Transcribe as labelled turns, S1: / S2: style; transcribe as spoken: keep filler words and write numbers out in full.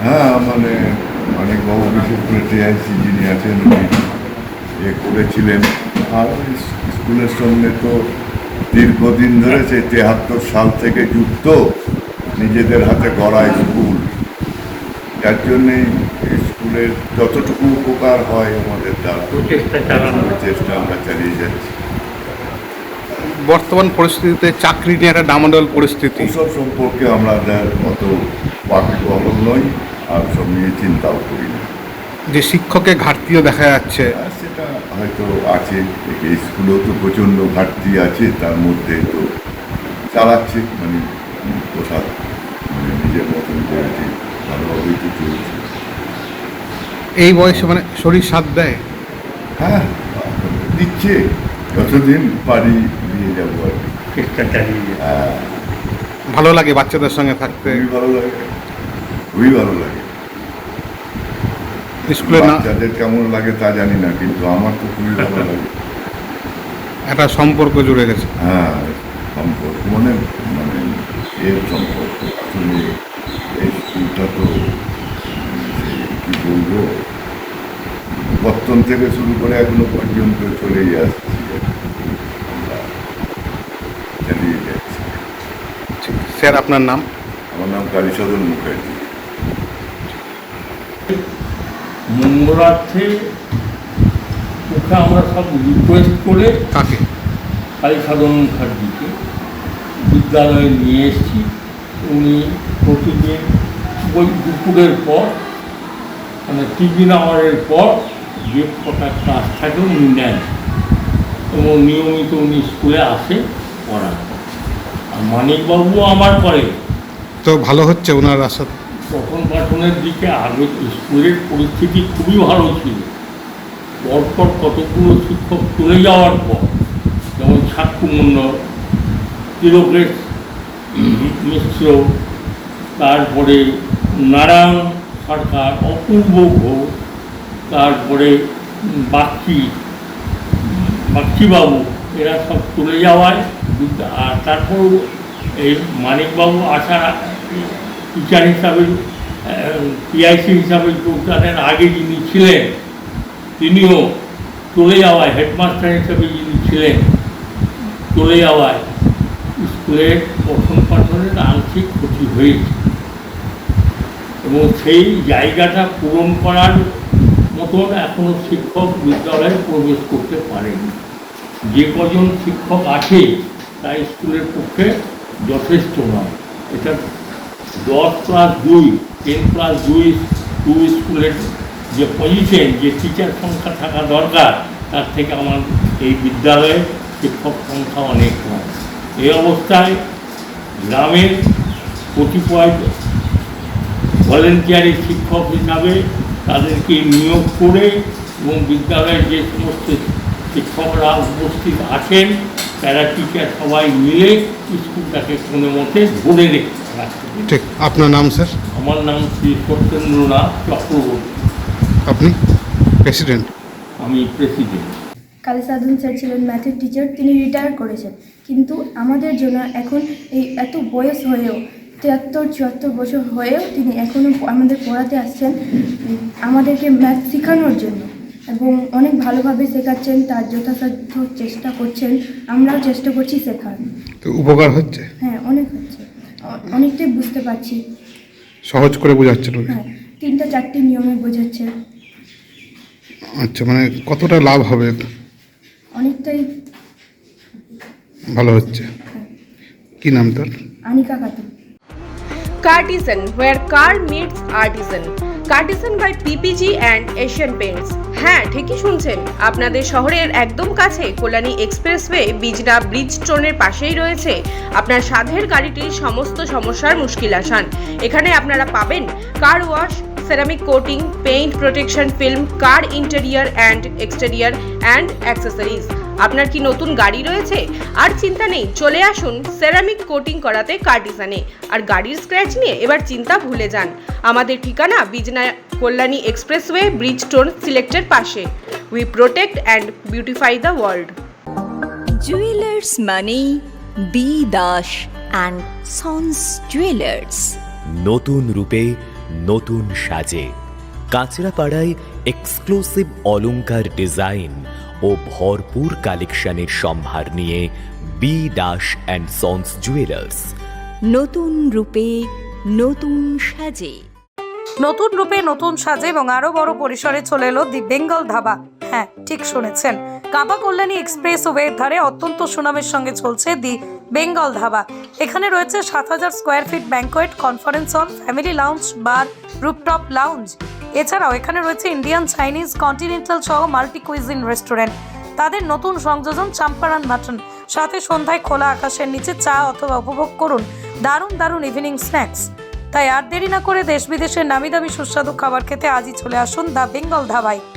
S1: হ্যাঁ, মানে অনেক বাবু বিশেষ করে টিআইসি যিনি আছেন উনি এ করেছিলেন। আর স্কুলের সঙ্গে তো দীর্ঘদিন ধরে সেই তেহাত্তর সাল থেকে যুক্ত, নিজেদের হাতে গড়া স্কুল, যার জন্যে স্কুলের যতটুকু উপকার হয় আমাদের দ্বারা চেষ্টা আমরা চালিয়ে যাচ্ছি।
S2: বর্তমান পরিস্থিতিতে চাকরি নিয়ে একটা ডামাডোল পরিস্থিতি,
S1: ওসব সম্পর্কে আমাদের অত ওয়াকিবহল নই, আর সব নিয়ে চিন্তাও করি না।
S2: যে শিক্ষকের ঘাটতিও দেখা যাচ্ছে,
S1: আর সেটা হয়তো আছে, এই স্কুলেও তো প্রচণ্ড ঘাটতি আছে, তার মধ্যে তো চালাচ্ছে মানে প্রসাদ মানে নিজের মতন করে ঠিক ভালোভাবেই তো চলছে।
S2: এই বয়সে মানে শরীর সাথ দেয়।
S1: হ্যাঁ, দিচ্ছে, যতদিন পারি দিয়ে যাবো আর কি।
S3: চেষ্টা চালিয়ে যেতে।
S1: হ্যাঁ,
S2: ভালো লাগে বাচ্চাদের সঙ্গে থাকতে।
S1: খুবই ভালো লাগে, খুবই ভালো লাগে।
S2: স্কুলে না
S1: বাচ্চাদের কেমন লাগে তা জানি না, কিন্তু আমার তো খুবই ভালো লাগে।
S2: একটা সম্পর্ক জুড়ে গেছে।
S1: হ্যাঁ, সম্পর্ক মানে মানে এর সম্পর্ক আসলে এই স্কুলটা তো সেই কী বলবো, বর্তন থেকে শুরু করে এখনো পর্যন্ত চলেই আসছি, আমরা চালিয়ে যাচ্ছি।
S2: স্যার আপনার নাম?
S1: আমার নাম কালীসদন মুখার্জি।
S3: মঙ্গলার্থে ওকে আমরা সব রিকোয়েস্ট করে
S2: কাকে?
S3: কালীসাধন মুখার্জিকে বিদ্যালয়ে নিয়ে এসেছি। উনি প্রতিদিন ওই দুপুরের পর মানে টিফিন আওয়ারের পর যে কটা ক্লাস থাকে উনি নেন এবং নিয়মিত উনি স্কুলে আসে পড়ান। আর মানিকবাবুও আমার করে।
S2: তো ভালো হচ্ছে ওনার আশা?
S3: প্রথম পাঠনের দিকে আগে স্কুলের পরিস্থিতি খুবই ভালো ছিল। পরপর কতগুলো শিক্ষক চলে যাওয়ার পর, যেমন সাক্ষু মণ্ডল, তিলকেশ মিশ্র, তারপরে নারায়ণ সরকার, অপূর্ব ঘোষ, তারপরে বাগচি বাগচিবাবু, এরা সব চলে যাওয়ায় আর তারপর এই মানিকবাবু আসার টিচার হিসাবে পিআইসি হিসাবে যোগদানের আগে যিনি ছিলেন তিনিও চলে যাওয়ায়, হেডমাস্টার হিসাবে যিনি ছিলেন চলে যাওয়ায় স্কুলের পঠন পাঠনের আংশিক ক্ষতি হয়েছে এবং সেই জায়গাটা পূরণ করার মতন এখনও শিক্ষক বিদ্যালয়ে প্রবেশ করতে পারেনি। যে কজন শিক্ষক আছে তা স্কুলের পক্ষে যথেষ্ট নয়। এটা দশ প্লাস দুই টেন প্লাস দুই টু স্কুলের যে পজিশন, যে টিচার সংখ্যা থাকা দরকার, তার থেকে আমার এই বিদ্যালয়ে শিক্ষক সংখ্যা অনেক কম। এই অবস্থায় গ্রামের কতিপয় ভলেন্টিয়ারি শিক্ষক হিসাবে তাদেরকে নিয়োগ করে এবং বিদ্যালয়ের যে সমস্ত শিক্ষকরা উপস্থিত আছেন প্যারা টিচার সবাই মিলে স্কুলটাকে কোনো মতে ধরে রেখে রাখতে।
S2: ঠিক। আপনার নাম স্যার?
S3: আমার নাম শ্রী সত্যেন্দ্রনাথ চক্রবর্তী।
S2: আপনি প্রেসিডেন্ট?
S3: আমি প্রেসিডেন্ট।
S4: কালীসাধন স্যার ছিলেন ম্যাথের টিচার, তিনি রিটায়ার করেছেন, কিন্তু আমাদের জন্য এখন এই এত বয়স হয়েও, তিয়াত্তর চুয়াত্তর বছর হয়েও তিনি এখনও আমাদের পড়াতে আসছেন আমাদেরকে ম্যাথ শেখানোর জন্য, এবং অনেক ভালোভাবে শেখাচ্ছেন, তার যথাসাধ্য চেষ্টা করছেন, আমরাও চেষ্টা করছি শেখার।
S2: তো উপকার হচ্ছে?
S4: হ্যাঁ, অনেক হচ্ছে, অনেকটাই বুঝতে পারছি।
S2: সহজ করে বোঝাচ্ছেন?
S4: হ্যাঁ, তিনটা চারটি নিয়মে বোঝাচ্ছে।
S2: আচ্ছা, মানে কতটা লাভ হবে?
S4: অনেকটাই
S2: ভালো হচ্ছে। কি নাম তোর?
S4: Anika Khatun.
S5: Cartesian, where car meets artisan. Cartesian by PPG and Asian Paints. হ্যাঁ, ঠিকই শুনছেন, আপনাদের শহরের একদম কাছে কল্যাণী এক্সপ্রেসওয়ে বিজনা ব্রিজ স্টোনের পাশেই রয়েছে আপনার সাধের গাড়িটির সমস্ত সমস্যার মুশকিল আসান। এখানে আপনারা পাবেন car wash, ceramic coating, paint protection film, car interior and exterior and accessories. আপনার কি নতুন গাড়ি রয়েছে? আর চিন্তা নেই, চলে আসুন সেরামিক কোটিং করাতে কার্টিসানে। আর গাড়ির স্ক্র্যাচ নিয়ে এবার চিন্তা ভুলে যান। আমাদের ঠিকানা Bijna Kalyani expressway bridge stone সিলেক্টের পাশে। We protect and beautify the world.
S6: Jewellers মানি B Das and sons jewellers.
S7: নতুন রূপে নতুন সাজে। কাঁচরাপাড়ায় এক্সক্লুসিভ অলংকার ডিজাইন ও ভরপুর কালেকশনের সম্ভার নিয়ে B Das and sons jewellers.
S6: নতুন রূপে নতুন সাজে।
S8: নতুন রূপে নতুন সাজে এবং আরো বড় পরিসরে চলে এলো দি বেঙ্গল ধাবা। হ্যাঁ, ঠিক শুনেছেন, কাঁপা কল্যাণী এক্সপ্রেস ওয়ের ধারে অত্যন্ত সুনামের সঙ্গে চলছে দি বেঙ্গল ধাবা। এখানে রয়েছে সাত হাজার square feet banquet, conference hall, family lounge, bar, rooftop lounge. এছাড়াও এখানে রয়েছে ইন্ডিয়ান, চাইনিজ, কন্টিনেন্টাল সহ মাল্টি কুইজিন রেস্টুরেন্ট। তাদের নতুন সংযোজন চাম্পারান মাটন। সাথে সন্ধ্যায় খোলা আকাশের নিচে চা অথবা উপভোগ করুন দারুণ দারুণ ইভিনিং স্ন্যাক্স। তাই আর দেরি না করে দেশ বিদেশের নামি দামি সুস্বাদু খাবার খেতে আজই চলে আসুন দ্য বেঙ্গল ধাবায়।